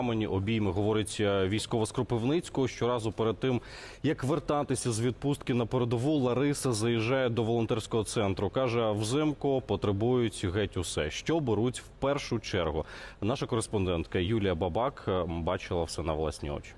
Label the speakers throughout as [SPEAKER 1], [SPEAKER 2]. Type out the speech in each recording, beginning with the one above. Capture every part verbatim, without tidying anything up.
[SPEAKER 1] Обійми, говорить військова з Кропивницького. Щоразу перед тим, як вертатися з відпустки на передову, Лариса заїжджає до волонтерського центру. Каже, взимку потребують геть усе. Що беруть в першу чергу? Наша кореспондентка Юлія Бабак бачила все на власні очі.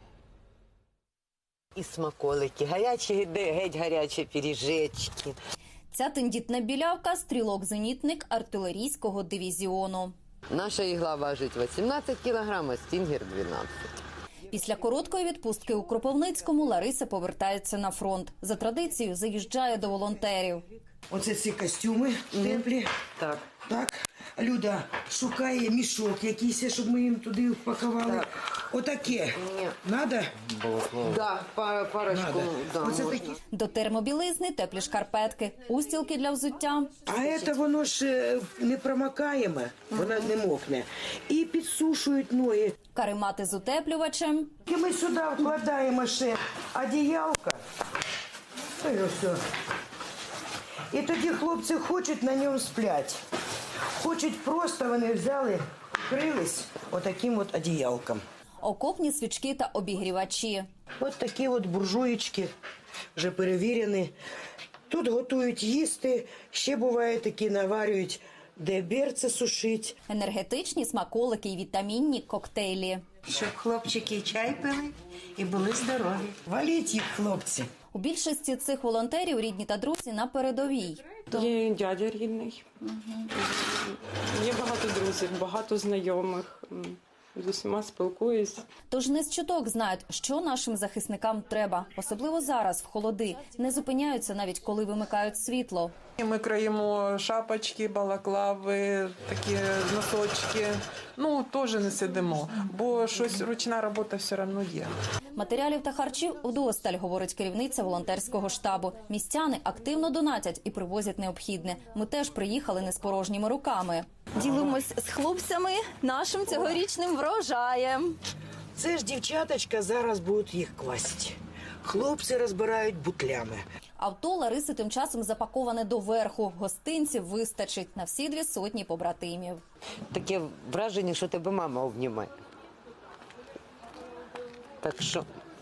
[SPEAKER 2] І смаколики, гарячі, геть гарячі пиріжечки.
[SPEAKER 3] Ця тендітна білявка – стрілок-зенітник артилерійського дивізіону.
[SPEAKER 2] Наша ігла важить вісімнадцять кілограм, а стінгер – дванадцять.
[SPEAKER 3] Після короткої відпустки у Кропивницькому Лариса повертається на фронт. За традицією заїжджає до волонтерів.
[SPEAKER 4] Оце ці костюми теплі.
[SPEAKER 2] Так.
[SPEAKER 4] Так. Люда шукає мішок якийсь, щоб ми їм туди впакували. Так. Отаке.
[SPEAKER 2] Ні.
[SPEAKER 4] Надо?
[SPEAKER 2] Да, пар, парочку. Да,
[SPEAKER 4] Оце
[SPEAKER 2] можна.
[SPEAKER 4] такі.
[SPEAKER 3] До термобілизни теплі шкарпетки, устілки для взуття.
[SPEAKER 4] А це воно ж е, не промокаєме, вона не мокне. І підсушують ноги.
[SPEAKER 3] Каремати з утеплювачем.
[SPEAKER 4] І ми сюди вкладаємо ще одіялка. І все. І тоді хлопці хочуть на ньому сплять. Хочуть просто, вони взяли, вкрились отаким от одіялком.
[SPEAKER 3] Окопні свічки та обігрівачі.
[SPEAKER 4] Ось такі от буржуєчки, вже перевірені. Тут готують їсти, ще буває такі наварюють, де берце сушить.
[SPEAKER 3] Енергетичні смаколики і вітамінні коктейлі.
[SPEAKER 5] Щоб хлопчики чай пили і були здорові.
[SPEAKER 4] Валіть їх, хлопці.
[SPEAKER 3] У більшості цих волонтерів рідні та друзі на передовій.
[SPEAKER 6] Є дядя рідний, є багато друзів, багато знайомих, з усіма спілкуюсь.
[SPEAKER 3] Тож не з чуток знають, що нашим захисникам треба. Особливо зараз, в холоди. Не зупиняються навіть, коли вимикають світло.
[SPEAKER 7] Ми краємо шапочки, балаклави, такі носочки. Ну, теж не сидимо, бо щось ручна робота все одно є.
[SPEAKER 3] Матеріалів та харчів вдосталь, говорить керівниця волонтерського штабу. Містяни активно донатять і привозять необхідне. Ми теж приїхали не з порожніми руками. Ділимось з хлопцями нашим цьогорічним врожаєм.
[SPEAKER 4] Це ж дівчаточка зараз будуть їх класти. Хлопці розбирають бутлями.
[SPEAKER 3] Авто Лариси тим часом запаковане доверху. Гостинців вистачить на всі дві сотні побратимів.
[SPEAKER 2] Таке враження, що тебе мама обнімає. Так що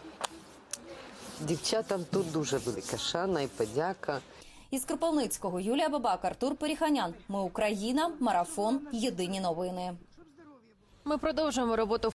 [SPEAKER 2] дівчатам тут дуже велика шана і подяка.
[SPEAKER 3] Із Кропивницького Юлія Бабак, Артур Періханян. Ми Україна. Марафон. Єдині новини.
[SPEAKER 8] Ми продовжуємо роботу